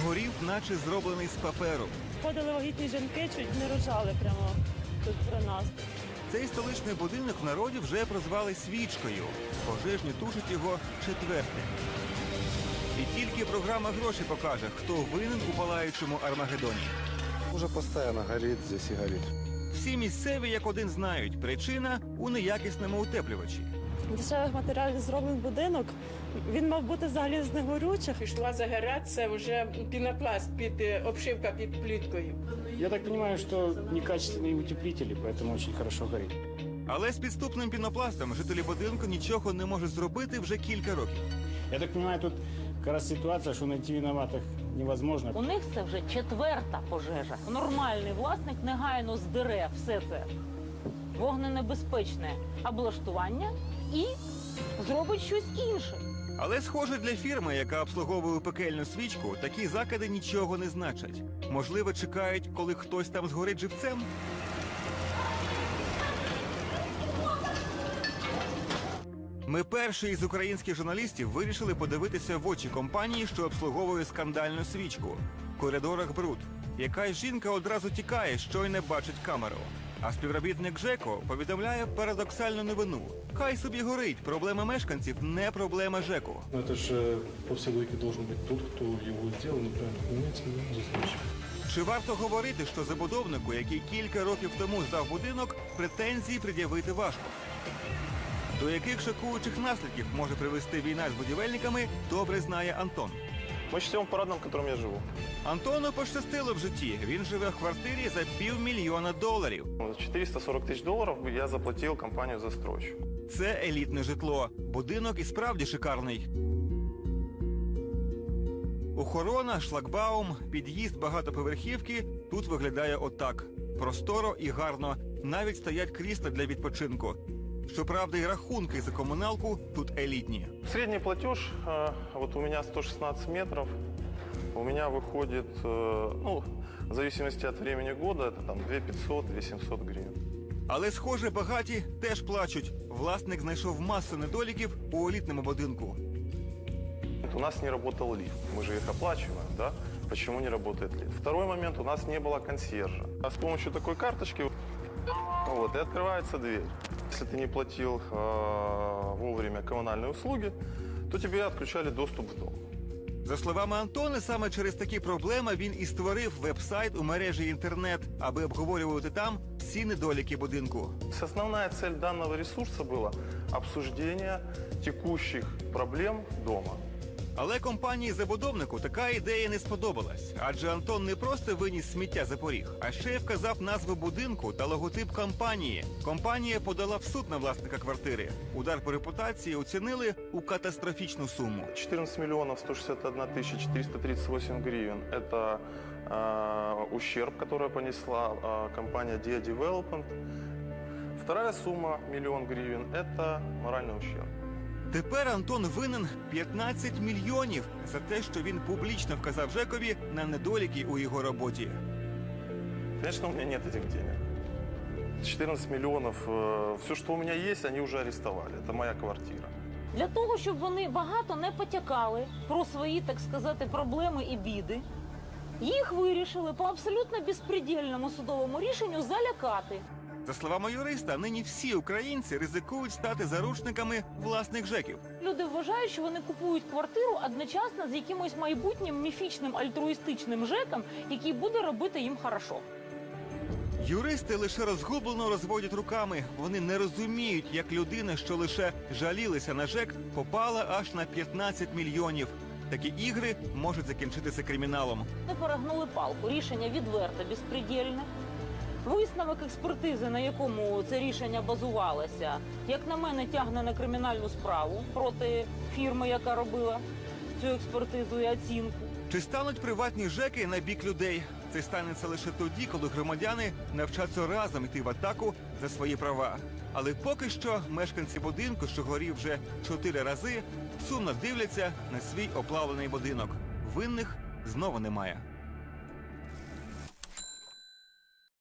згорів, наче зроблений з паперу. Ходили вагітні жінки, чуть не рожали прямо тут при нас. Цей столичний будинок в народі вже прозвали «свічкою». Пожежні тушать його четвертим. І тільки програма «Гроші» покаже, хто винен у палаючому Армагеддоні. Уже постоянно горит здесь и горит. Всі місцеві, як один, знають, причина у неякісному утеплювачі. Дешевих матеріалів зроблений будинок. Він мав бути взагалі з негорючих. Пішла загорати, це вже пінопласт, обшивка під плиткою. Я так понимаю, что некачественные утеплители, поэтому очень хорошо горит. Але з підступним пінопластом жителі будинку нічого не можуть зробити вже кілька років. Я так понимаю, тут как раз ситуация, что найти виноватых невозможно. У них це вже четверта пожежа. Нормальний власник негайно здере все це вогненебезпечне облаштування і зробить щось інше. Але, схоже, для фірми, яка обслуговує пекельну свічку, такі закиди нічого не значать. Можливо, чекають, коли хтось там згорить живцем? Ми перші із українських журналістів вирішили подивитися в очі компанії, що обслуговує скандальну свічку. В коридорах бруд. Якась жінка одразу тікає, щойно бачить камеру. А співробітник ЖЕКу повідомляє парадоксальну новину. Хай собі горить, проблема мешканців не проблема ЖЕКу. Это же по всей логике должен быть тот, кто его сделал, неправильно понимаете, застройщик. Чи варто говорити, що забудовнику, який кілька років тому здав будинок, претензії пред'явити важко? До яких шокуючих наслідків може привести війна з будівельниками, добре знає Антон. Мы живем в парадном, в котором я живу. Антону пощастило в житті. Він живе в квартирі за $500 000. 440 тысяч долларов я заплатил компанию-застройщику. Це елітне житло. Будинок і справді шикарний. Охорона, шлагбаум, під'їзд багатоповерхівки тут виглядає отак. Просторо і гарно. Навіть стоять крісла для відпочинку. Щоправда, і рахунки за комуналку тут елітні. Средний платеж, вот у меня 116 метров, у меня выходит, ну, в зависимости от времени года, это там 2500-2700 гривен. Але, схоже, багаті теж плачуть. Власник знайшов масу недоліків у елітному будинку. У нас не работал лифт, мы же их оплачиваем, да? Почему не работает лифт? Второй момент, у нас не было консьержа. А с помощью такой карточки, вот, и открывается дверь. Если ты не платил вовремя коммунальные услуги, то тебе отключали доступ в дом. За словами Антона, саме через такі проблеми він і створив веб-сайт у мережі інтернет, аби обговорювати там всі недоліки будинку. Основная цель данного ресурса была обсуждение текущих проблем дома. Але компанії-забудовнику така ідея не сподобалась. Адже Антон не просто виніс сміття за поріг, а ще й вказав назву будинку та логотип компанії. Компанія подала в суд на власника квартири. Удар по репутації оцінили у катастрофічну суму. 14 миллионов 161 тысяча 438 гривен – это ущерб, который понесла компания Dia Development. Вторая сумма – 1 000 000 гривен – это моральный ущерб. Тепер Антон винен 15 мільйонів за те, що він публічно вказав ЖЕКові на недоліки у його роботі. Конечно, у меня нет этих денег. 14 миллионов, все, что у меня есть, они уже арестовали. Это моя квартира. Для того, щоб вони багато не потякали про свої, так сказати, проблеми і біди, їх вирішили по абсолютно безпредельному судовому рішенню залякати. За словами юриста, нині всі українці ризикують стати заручниками власних ЖЕКів. Люди вважають, що вони купують квартиру одночасно з якимось майбутнім міфічним альтруїстичним ЖЕКом, який буде робити їм хорошо. Юристи лише розгублено розводять руками. Вони не розуміють, як людина, що лише жалілася на ЖЕК, попала аж на 15 мільйонів. Такі ігри можуть закінчитися криміналом. Ми перегнули палку. Рішення відверто безпредельне. Висновок експертизи, на якому це рішення базувалося, як на мене, тягне на кримінальну справу проти фірми, яка робила цю експертизу і оцінку. Чи стануть приватні ЖЕКи на бік людей? Це станеться лише тоді, коли громадяни навчаться разом йти в атаку за свої права. Але поки що мешканці будинку, що горів вже 4 рази, сумно дивляться на свій оплавлений будинок. Винних знову немає.